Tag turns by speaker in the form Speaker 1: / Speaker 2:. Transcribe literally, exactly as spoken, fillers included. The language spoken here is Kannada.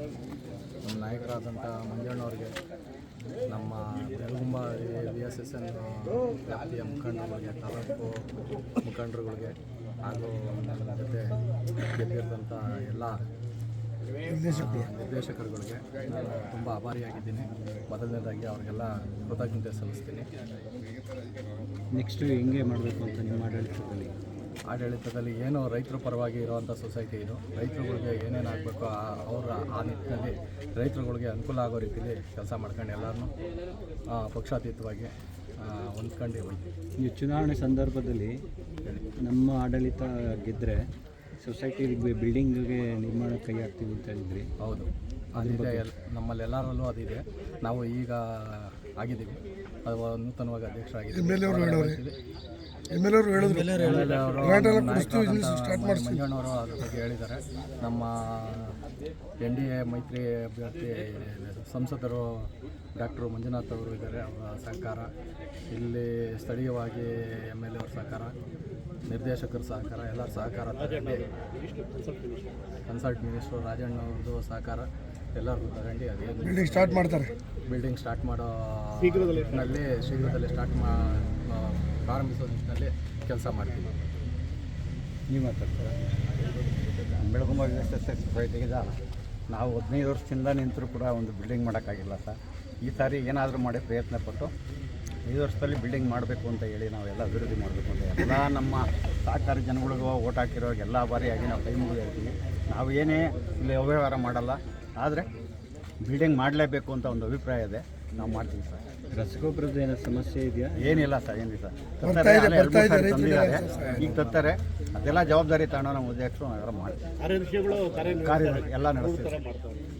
Speaker 1: ನಮ್ಮ ನಾಯಕರಾದಂಥ ಮಂಜಣ್ಣವ್ರಿಗೆ, ನಮ್ಮ Belagumba V S S N ವ್ಯಾಪ್ತಿಯ ಮುಖಂಡರುಗಳಿಗೆ, ತಾಲೂಕು ಮುಖಂಡರುಗಳಿಗೆ ಹಾಗೂ ನನ್ನ ಜೊತೆ ಗೆದ್ದಿರೋಂಥ ಎಲ್ಲ ನಿರ್ದೇಶಕರುಗಳಿಗೆ ನಾನು ತುಂಬ ಆಭಾರಿಯಾಗಿದ್ದೀನಿ. ಮೊದಲನೇದಾಗಿ ಅವರಿಗೆಲ್ಲ ಕೃತಜ್ಞತೆ ಸಲ್ಲಿಸ್ತೀನಿ.
Speaker 2: ನೆಕ್ಸ್ಟು ಹೆಂಗೆ ಮಾಡಬೇಕು ಅಂತ ನಿಮ್ಮ ಆಡಳಿತದಲ್ಲಿ
Speaker 1: ಆಡಳಿತದಲ್ಲಿ ಏನು ರೈತರ ಪರವಾಗಿ ಇರುವಂಥ ಸೊಸೈಟಿ ಇದು. ರೈತರುಗಳಿಗೆ ಏನೇನು ಆಗಬೇಕು ಅವರ ಆ ನಿಟ್ಟಿನಲ್ಲಿ ರೈತರುಗಳಿಗೆ ಅನುಕೂಲ ಆಗೋ ರೀತಿಯಲ್ಲಿ ಕೆಲಸ ಮಾಡ್ಕೊಂಡು ಎಲ್ಲರನ್ನೂ ಪಕ್ಷಾತೀತವಾಗಿ ಹೊಂದ್ಕೊಂಡು ಹೋಯ್ತು.
Speaker 2: ಈ ಚುನಾವಣೆ ಸಂದರ್ಭದಲ್ಲಿ ನಮ್ಮ ಆಡಳಿತ ಗೆದ್ದರೆ ಸೊಸೈಟಿ ಬಿಲ್ಡಿಂಗ್ಗೆ ನಿರ್ಮಾಣ ಕೈ ಹಾಕ್ತೀವಿ ಅಂತ ಹೇಳಿದ್ರಿ.
Speaker 1: ಹೌದು, ಅದಿದೆ. ಎಲ್ ನಮ್ಮಲ್ಲಿ ಎಲ್ಲರಲ್ಲೂ ಅದಿದೆ. ನಾವು ಈಗ ಆಗಿದ್ದೀವಿ, ಅದು ನೂತನವಾಗಿ ಅಧ್ಯಕ್ಷರಾಗಿದ್ದೀವಿ. ಮಂಜಣ್ಣವರು ಅದ್ರ ಬಗ್ಗೆ ಹೇಳಿದ್ದಾರೆ. ನಮ್ಮ ಎನ್ ಡಿ ಎ ಮೈತ್ರಿ ಅಭ್ಯರ್ಥಿ ಸಂಸದರು ಡಾಕ್ಟರ್ ಮಂಜುನಾಥ್ ಅವರು ಇದ್ದಾರೆ, ಅವರ ಸಹಕಾರ, ಇಲ್ಲಿ ಸ್ಥಳೀಯವಾಗಿ ಎಮ್ ಎಲ್ ಎ ಅವ್ರ ಸಹಕಾರ, ನಿರ್ದೇಶಕರ ಸಹಕಾರ, ಎಲ್ಲರ ಸಹಕಾರ ತಗೊಂಡು, ಕನ್ಸಲ್ಟ್ ಮಿನಿಸ್ಟ್ರು ರಾಜಣ್ಣ ಅವ್ರದ್ದು ಸಹಕಾರ ಎಲ್ಲರಿಗೂ ತಗೊಂಡು ಅದೇನು
Speaker 3: ಬಿಲ್ಡಿಂಗ್ ಸ್ಟಾರ್ಟ್ ಮಾಡ್ತಾರೆ.
Speaker 1: ಬಿಲ್ಡಿಂಗ್ ಸ್ಟಾರ್ಟ್ ಮಾಡೋ ನಿಟ್ಟಿನಲ್ಲಿ ಶೀಘ್ರದಲ್ಲೇ ಸ್ಟಾರ್ಟ್ ಮಾ ಪ್ರಾರಂಭಿಸೋ ನಿಟ್ಟಿನಲ್ಲಿ ಕೆಲಸ ಮಾಡ್ತೀವಿ.
Speaker 2: ನೀವು ಮಾತಾಡ್ತಾರೆ.
Speaker 4: Belagumba V S S S ಸೊಸೈಟಿಗೆ ನಾವು ಹದಿನೈದು ವರ್ಷದಿಂದ ನಿಂತರೂ ಕೂಡ ಒಂದು ಬಿಲ್ಡಿಂಗ್ ಮಾಡೋಕ್ಕಾಗಿಲ್ಲ ಸರ್. ಈ ಸಾರಿ ಏನಾದರೂ ಮಾಡಿ ಪ್ರಯತ್ನ ಪಟ್ಟು ಐದು ವರ್ಷದಲ್ಲಿ ಬಿಲ್ಡಿಂಗ್ ಮಾಡಬೇಕು ಅಂತ ಹೇಳಿ ನಾವೆಲ್ಲ ಅಭಿವೃದ್ಧಿ ಮಾಡಬೇಕು ಅಂತ ಎಲ್ಲ ನಮ್ಮ ಸಹಕಾರಿ ಜನಗಳಿಗೂ ಓಟ್ ಹಾಕಿರೋರಿಗೆ ಎಲ್ಲ ಬಾರಿಯಾಗಿ ನಾವು ಕೈ ಮುಗಿದು ಹೇಳ್ತೀವಿ. ನಾವು ಏನೇ ಇಲ್ಲಿ ಅವ್ಯವಹಾರ ಮಾಡಲ್ಲ, ಆದರೆ ಬಿಲ್ಡಿಂಗ್ ಮಾಡಲೇಬೇಕು ಅಂತ ಒಂದು ಅಭಿಪ್ರಾಯ ಇದೆ, ನಾವು ಮಾಡ್ತೀವಿ ಸರ್.
Speaker 2: ರಸಗೊಬ್ಬರದ ಏನೋ ಸಮಸ್ಯೆ ಇದೆಯಾ?
Speaker 4: ಏನಿಲ್ಲ ಸರ್, ಏನಿಲ್ಲ ಸರ್. ತರ್ತಾರೆ, ತಂದಿದ್ದಾರೆ, ಈಗ ತರ್ತಾರೆ. ಅದೆಲ್ಲ ಜವಾಬ್ದಾರಿ ತಗೊಂಡು ನಮ್ಮ ಅಧ್ಯಕ್ಷರು ನಾವೆಲ್ಲ ಮಾಡ್ತೀವಿ, ಕಾರ್ಯ ಎಲ್ಲ ನಡೆಸ್ತೀವಿ.